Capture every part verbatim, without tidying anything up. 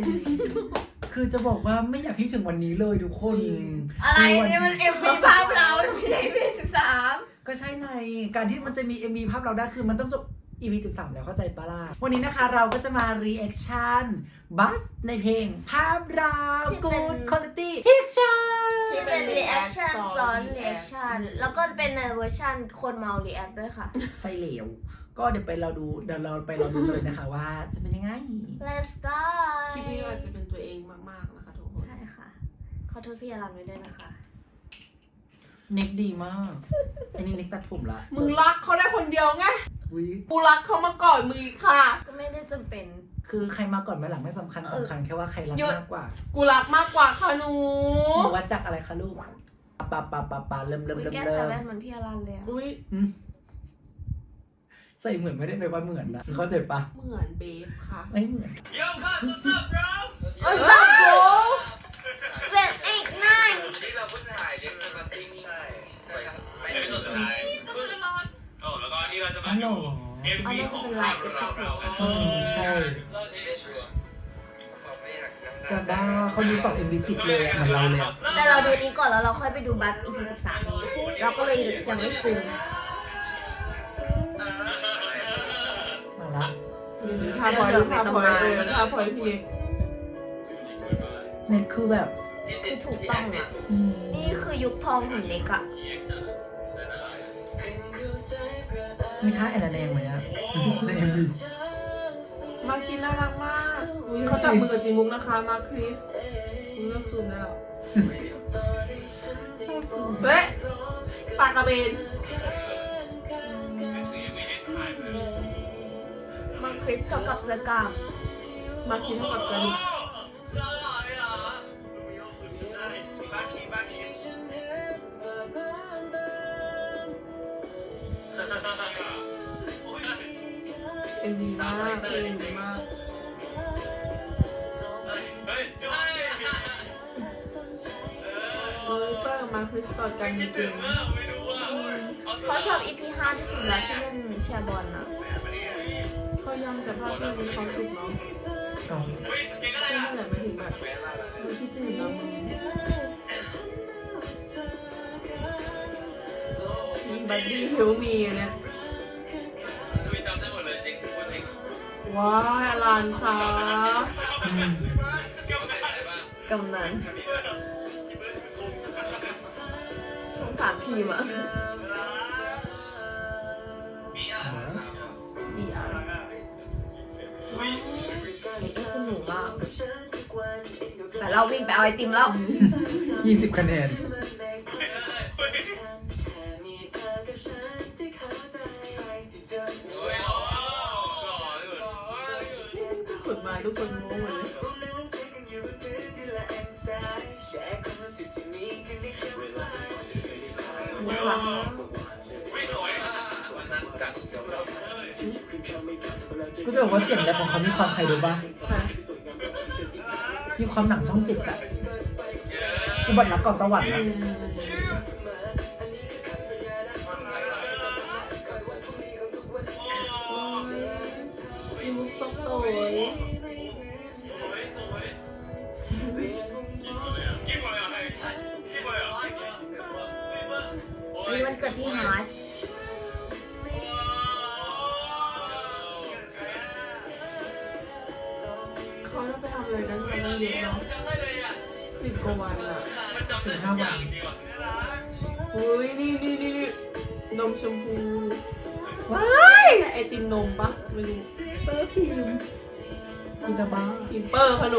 คือจะบอกว่าไม่อยากให้ถึงวันนี้เลยทุกคนอะไรเนี่ยมันเอ็มวีภาพเราไม่ใช่ อี พี สิบสามก็ใช่ไงการที่มันจะมี เอ็ม วี ภาพเราได้คือมันต้องจบ อี พี สิบสามแล้วเข้าใจปะล่ะวันนี้นะคะเราก็จะมา reaction บัสในเพลงภาพเรา good quality picture ที่เป็น reaction ซ้อน reaction แล้วก็เป็นในเวอร์ชันคนเมา react ด้วยค่ะใช่เหลวก็เดี๋ยวไปเราดูเดี๋ยวเราไปเราดูเลยนะคะว่าจะเป็นยังไง Let's go คลิปนี้อาจจะเป็นตัวเองมากๆนะคะทุกคนใช่ค่ะขอโทษพี่อรันไว้ด้วยนะคะเน็กดีมากอันนี้เน็กตัดผมละมึงรักเขาได้คนเดียวไงอุ๊ยกูรักเขามาก่อนมึงอีกค่ะก็ไม่ได้จำเป็นคือใครมาก่อนมาหลังไม่สำคัญสำคัญแค่ว่าใครรักหยุดมากกว่ากูรักมากกว่าค่ะหนูหนูวัดจากอะไรคะลูกปะปะปะปะปะเริ่มเริ่มวิเริ่มแก้เริ่ใส่มแว่นเหมือนพี่อรันเลยอะอุ้ยอืมใส่เหมือนไม่ได้ไปลว่าเหมือนนะเข้าใจปะเหมือนเบฟค่ะไม่เหมือน Yo, cuz, what's up, bro? โอ้สับโบเสร็จอีกนายนี่เราเพิ่งถ่ายเลี้ยงสมาติ้งใช่ไปไปในส่วนสุดท้ายโอ้แล้วก็นี่เราจะมาดู เอ็มอันวีนี้ขจะองเป็นไลเราฟ์เอเราพิโซเราดอืมใช่เราจะได้ชัวร์เขาไม่อยากจำได้จะบ้าเขาดูสองเอ็มวีติดเลยอะเหมือนเราเลยอะแต่เราดูนี้ก่อนแล้วเราค่อยไปดูบัส อี พี สิบสามนี้เราก็เลยยังไม่ซึ้งมาละท่าพอยท่าพอยเออท่าพอยพี่เล็กเน็ตคือแบบคือถูกต้องอะอืมนี่คือยุคทองของเล็กอะมีท่าแอนนาแดงไหมอะในเอ็มวีมาคินน่ารักมากอุ้ยเขาจับมือกับจีมุกนะคะ มาคริสมึงเลิกซูมได้แล้วชอบสุดเฮ้ยปากกระเบนมังคริสเท่ากับเสือกามมาคินเท่ากับจานิ เอ็มดีมากเพลงดีมากเออเตอร์มาคริสต่อกันจริงเขาชอบ อี พี ห้าที่สุดแล้วที่เล่นแชร์บอลนะๆเขายังแต่ภาพมันมีความสุขเนาะเอาใช่นั่นแหละหมายถึงแบบไม่คิดถึงเราบัดดี้ฮิวมีอันเนี้ยว้ายอลันค่ะอืมกำนันสงสารพีมอะดีอาร์เล็กก็คือหนูมากแต่เราวิ่งไปเอาไอติมแล้วยี่สิบคะแนนขุดมาทุกคนงงหมดเลยว้าวก็จะบอกว่าเสียงแรปของเขามีความใครรู้บ้างมีความหนังช่องเจ็ดอะอุบัติรักเกาะสวรรค์อะจีมุกซกโตยอันนี้มันเกิดพี่ฮาร์ดเขาจะไปทำอะไรกันกันเยอะเนาะสิบกว่าวันอะสิบห้าวันอุ้ยนี่นี่นี่นี่นมชมพูว้ายแต่ไอติมนมปะไม่รู้เปอร์พิมกูจะบ้าพิมเปอร์ขนู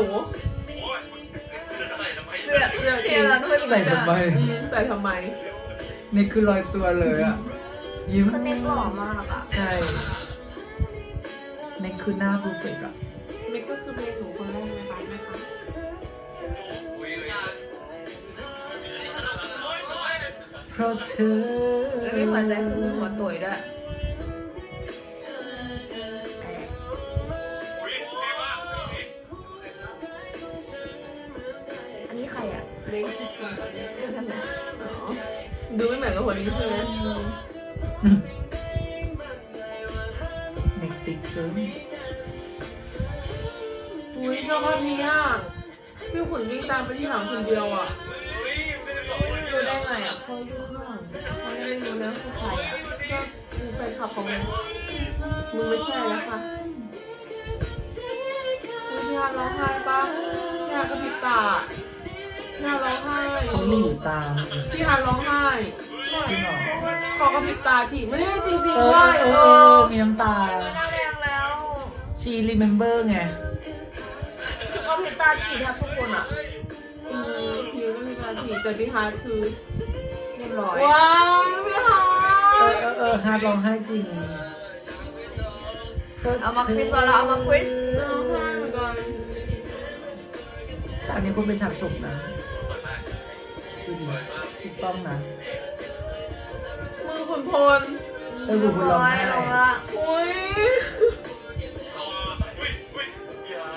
เสื้อเสื้อเสื้อเราด้วยใส่ทำไมอืมใส่ทำไมนี่คือลอยตัวเลยอะยิ้มคือเน็กหล่อมากอะใช่นี่คือหน้าเพอร์เฟกต์อะเมกก็คือเป็นหนูคนแรกในบ้านนะคะเพราะเธอแล้วมีหัวใจคือมีหัวตุ๋ยด้วยอันนี้ใครอะเล็กที่สุดอ๋อดูไม่เหมือนกับคนนี้ใช่ไหมเน็กติดเกินวอุ้ยชอบภาพนี้อ่ะพี่ขุนวิ่งตามไปที่หลังคนเดียวอ่ะดูได้ไงอ่ะเขาอยู่ข้างหลังเขาไม่ได้รู้นะคือใครอ่ะก็กูแฟนคลับของมึงมึงไม่ใช่แล้วค่ะคุณพี่ฮาร้องไห้ปะพี่ฮากระพริบตาพี่ฮาร้องไห้เขาหลีตามพี่ฮาร้องไห้จริงเหรอขอกระพริบตาทีไม่ได้จริงเอๆอว่าเอเออเอออมีน้ำตาไม่น่าแดงแล้วชี remember ไงคือเอาพิตาถีแทบทุกคนอ่ะอืมพี่ก็มีการทีแต่พี่ฮาคือเรียบร้อยว้าวพี่ฮาเออเออเออฮาร์ดร้องไห้จริงเอามาคริสแล้วเอามาคริสร้องไห้เหมือนกันฉากนี้คุณเป็นฉากจบนะสวยมากดูดิถูกต้องนะมือขุนพลเออคุณร้องไห้ร้องละอุ้ยอ๋ออุ้ยอุ้ยยาน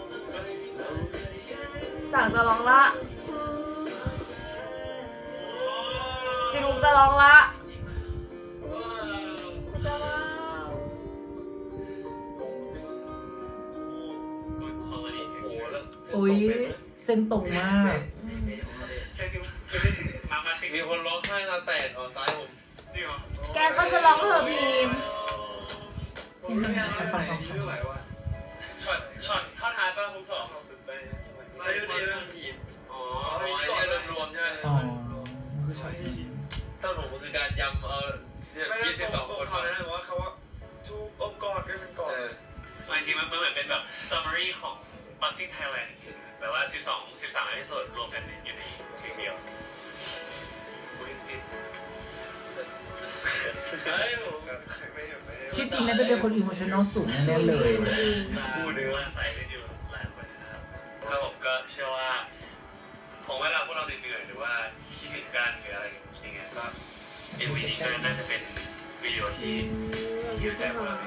จากจะร้องละจินุกจะร้องละกูจะว้าว Good quality picture อุ้ยเส้นตรงมากมามาชิคมีคนร้องไห้ตาแตกออกซ้ายผมนี่เหรอแกก็จะร้องเถอะพีมไปฟังฟังฟังไม่ไหวว่ะช็อตช็อตท่อนฮาร์ดป่ะคุณสองไปไม่ได้เรื่องทีมอ๋ออ๋อไอ้เนี่ยเรื่องรวมใช่ไหมอ๋อมันคือช็อตนี้ต้นผมมันคือการยำเอาเนี่ยไม่คิได้ดตที่อบสองคคน นเขามานะว่าเขาว่าทุกองค์กรก็เป็นกรเออจริงๆมันเหมือนเป็นแบบ summary ของ Buzzing Thailand แบบว่าสิบสอง สิบสามเอพิโซดรวมกันอยู่ในสิ่งเดียวคุยจริงใช่ผมไม่ไม่ที่จริงน่าจะเป็นคนอิโมชัน a ลสูงแน่ๆเลยคู่เนื้อมาใส่ได้ดูหลายคนนะครับก็ผมก็เชื่อว่าผมเวลาพวกเราเหนื่อยๆหรือว่าคิดถึงกันหรืออะไรอย่างเงี้ยก็เอ็มวีนี้ก็น่าจะเป็นวิดีโอที่ฮิวใจพวกเรา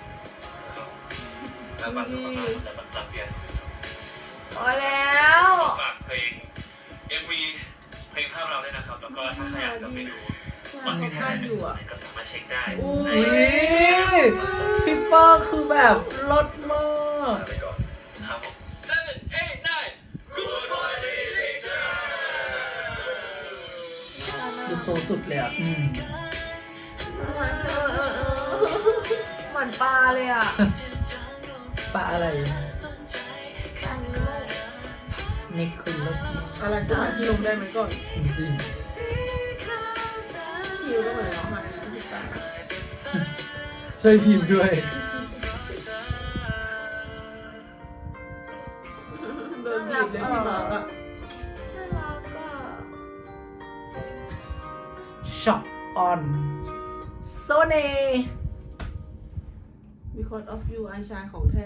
แล้วก็สุขภาพจะแบบรับเบียร์พอแล้วฝากเพลง เอ็ม วี เพลงภาพเราด้วยนะครับ แล้วก็ถ้าใครอยากจะไปดูวันสิงหาคมก็สามารถเช็คได้อุ้ในยพี่ป้องคือแบบลดมากไปก่อนครับผม seven eight nine good quality picture ดูโตสุดเลยอ่ะอืมเออเออเออเหมือนปลาเลยอ่ะปะอะไรปลานิโมนี่คือลดอะไรก็หาที่ลงได้ไหมก่อนจริงคิวก็เหมือนร้องไห้นะพี่ตาๆช่วยพิมพ์ด้วยโดนบีบเลยพี่หมาอ่ะน่ารักอ่ะช็อปออนโซเน่ because of you ไอชายของแท้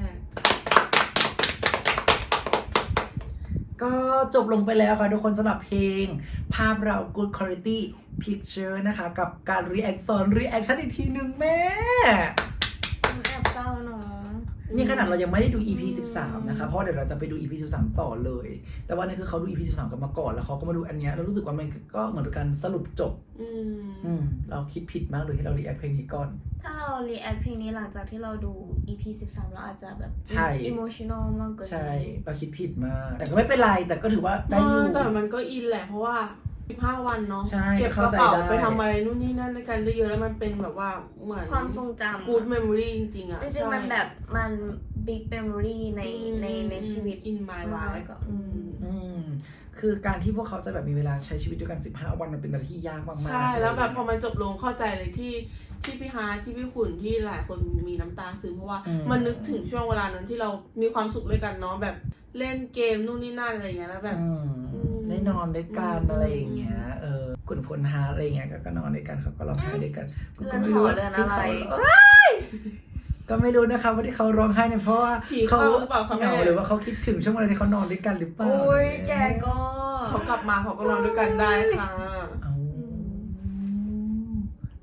ก็จบลงไปแล้วค่ะทุกคนสำหรับเพลง ภาพเรา Good Quality Picture นะคะ กับการ react ซ้อน reaction อีกทีหนึ่งแม่มันแอบเศร้าเนาะนี่ขนาดเรายังไม่ได้ดู อี พี สิบสามนะคะ เพราะเดี๋ยวเราจะไปดู อี พี สิบสามต่อเลย แต่ว่านี่คือเขาดู อี พี สิบสามกันมาก่อนแล้วเขาก็มาดูอันเนี้ยแล้วรู้สึกว่ามันก็เหมือนเป็นการสรุปจบอืมอืมเราคิดผิดมากเลยที่เรา react เพลงนี้ก่อนถ้าเรา react เพลงนี้หลังจากที่เราดู อี พี สิบสามเราอาจจะแบบใช่ emotional มากเกินใช่ เราคิดผิดมาก แต่ก็ไม่เป็นไร แต่ก็ถือว่าได้อยู่แต่มันก็อินแหละเพราะว่าสิบห้าวันเนาะใช่เก็บกเข้าระใจเป๋าได้ไปทำอะไรนู่นนี่นั่นในการเยอะๆแล้วมันเป็นแบบว่าเหมือนความทรงจำ good memory จริงๆอ่ะจริงๆมันแบบมัน big memory ในในในชีวิต in my เรา life แล้วก็อืมอืมคือการที่พวกเขาจะแบบมีเวลาใช้ชีวิตด้วยกันสิบห้าวันมันเป็นอะไรที่ยากมากๆใช่แล้วแบบพอเยมันจบลงเข้าใจเลยที่ที่พี่ฮาร์ทที่พี่ขุนที่หลายคนมีน้ำตาซึมเพราะว่าอืมมันนึกถึงช่วงเวลานั้นที่เรามีความสุขด้วยกันเนาะแบบเล่นเกมนู่นนี่นั่นอะไรเงี้ยแล้วแบบอืมอืมได้นอนด้วยกันอืมอะไรอย่างเงี้ยเออคุณพลฮาร์ทอะไรอย่างเงี้ยก็ก็นอนด้วยกันเขาก็ร้องไห้ด้วยกันกูเรืก็อนไม่หอรู้ว่าเรือนที่อะไรเขาเอ้ยก็ไม่รู้นะคะว่าที่เขาร้องไห้เนี่ยเพราะว่าผีเข้าหรือเปล่าคะเหแม่งาหรือว่าเขาคิดถึงช่วงเวลาที่เขานอนด้วยกันหรือเปล่าโอ้ยแกก็เขากลับมาเขาก็นอนด้วยกันได้ค่ะเอาโถ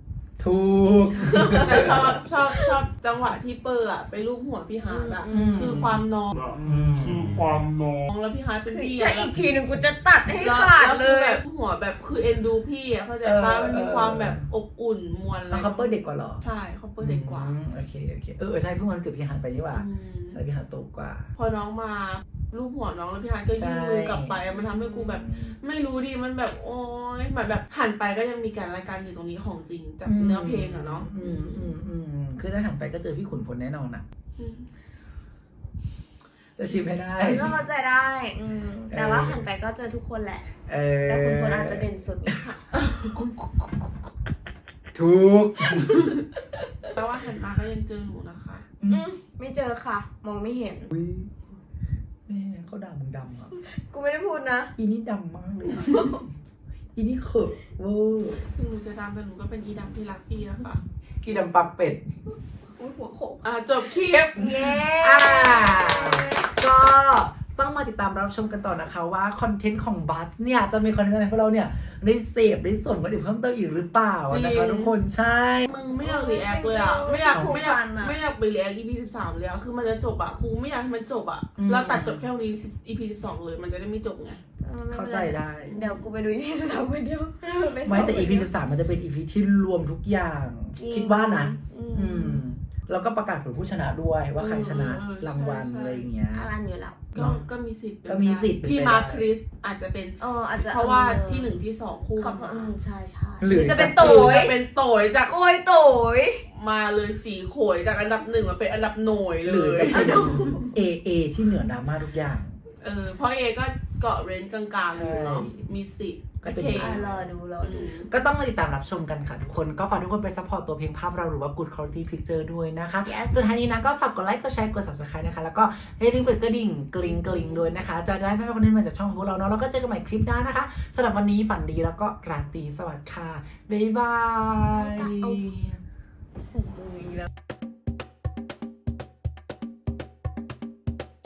ถูกแต่ชอบชอบชอบจังหวะที่เปอร์อะไปลูบหัวพี่ฮาร์ดอะอืมคือความน้องคือความน้องแล้วพี่ฮาร์ดเป็นคือพี่ถ้าอะอีกทีหนึงกูจะตัดให้แล้วขาดแล้วเลคือย แบบหัวแบบคือเอ็นดูพี่อะเข้าใจป่ะมันมีความแบบอบอุ่นมวลอะไรแล้วคัพเปอร์เด็กกว่าเหรอใช่เขาเปอร์เด็กกว่าอืมโอเคโอเคเออใช่เพิ่งวันเกิดพี่ฮันไปนี่หว่าอืมใช่พี่ฮันโตกว่าพอน้องมาลูบหัวน้องแล้วพี่ฮาร์ดก็ยื่นมือกลับไปอะมันทำให้กูแบบ ไม่รู้ดิมันแบบโอ๊ยเหมือนแบบหันไปก็ยังมีการรายการอยู่ตรงนี้ของจริงจากเนื้อเพลงอะเนาะอืมอืมอืมคือถ้าหันไปก็เจอพี่ขุนพลแน่นอนอ่ะอืมจะชิมให้ได้เออก็เข้าใจได้ อืมแต่ว่าหันไปก็เจอทุกคนแหละเออแต่คุณคนอาจจะเด่นสุดนี่ค่ะถูกแต่ว่าหันมาก็ยังเจอหนูนะคะอืมไม่เจอค่ะ มองไม่เห็นอุ้ยแม่เขาด่ามึงดำอ่ะกูไม่ได้พูดนะอีนี่ดำมากเลยอะอีนี่เขอะเวอร์ถึงหนูจะดำแต่หนูก็เป็นอีดำที่รักพี่นะคะกี่ดำปักเป็ดอุ้ยหัวโขกอ่ะจบคลิปเย้อ่า ก็ต้องมาติดตามรับชมกันต่อนะคะว่าคอนเทนต์ของบัสเนี่ยจะมีคอนเทนต์อะไรให้พวกเราเนี่ยได้เสพได้ส่งกันอีกเพิ่มเติมอีกหรือเปล่านะคะทุกคนใช่มึงไม่อยากรีแอคเลยอ่ะไม่อยากไม่อยากไม่อยากไปรีแอค อี พี สิบสามเลยอ่ะคือมันจะจบอ่ะครูไม่อยากให้มันจบอ่ะเราตัดจบแค่วันนี้ อี พี สิบสองเลยมันจะได้ไม่จบไงออม่เข้าป็นใจไรได้เดี๋ยวกูไปดูอีพีสุดท้ายคนเดียวไม่แต่ อี พี สิบสามมันจะเป็น อี พี ที่รวมทุกอย่างจริงคิดว่านะอือืมม แล้วก็ประกาศผลผู้ชนะด้วยว่าใครชนะเออเออรางวัลใช่ใช่อะไรอย่างเงี้ยอารันอยู่แล้วก็ก็มีสิทธิ์เป็นก็มีสิทธิ์เป็นพี่ไปได้มาร์คคริสอาจจะเป็นเอออาจจะเพราะว่าออที่หนึ่งที่สองคู่เขากันก็มาอืมใช่ใช่หรือจะเป็นจะโตหรือย จะเป็เป็น นโตยจากโกยโตยมาเลยสีโขยจากอันดับหนึ่งมาเป็นอันดับหน่วยเลหรือย จะเป็น เอ เอ ที่เหนือดราม่าทุกอย่างเออเพราะเอก็เกาะเรนจ์กลางๆอยู่เนาะใช่มีสิทธิ์ก็เป็นโอเคอ่ะรอดูรอดูก็ต้องมาติดตามรับชมกันค่ะทุกคน ก็ฝากทุกคนไปซัพพอร์ตตัวเพลงภาพเราหรือว่า Good Quality Picture ด้วยนะคะ Yes สุดท้ายนี้นะก็ฝากกดไลค์กดแชร์กด subscribe นะคะ แล้วก็อย่าลืมกดกระดิ่งกริ๊งกริ๊งด้วยนะคะ จะได้ไม่พลาดคอนเทนต์ใหม่จากช่องของพวกเราเนาะแล้วก็เจอกันใหม่คลิปหน้านะคะสำหรับวันนี้ฝันดีแล้วก็ราตรีสวัสดิ์ค่ะบ๊ายบายเอา โอ้โหอีกแล้ว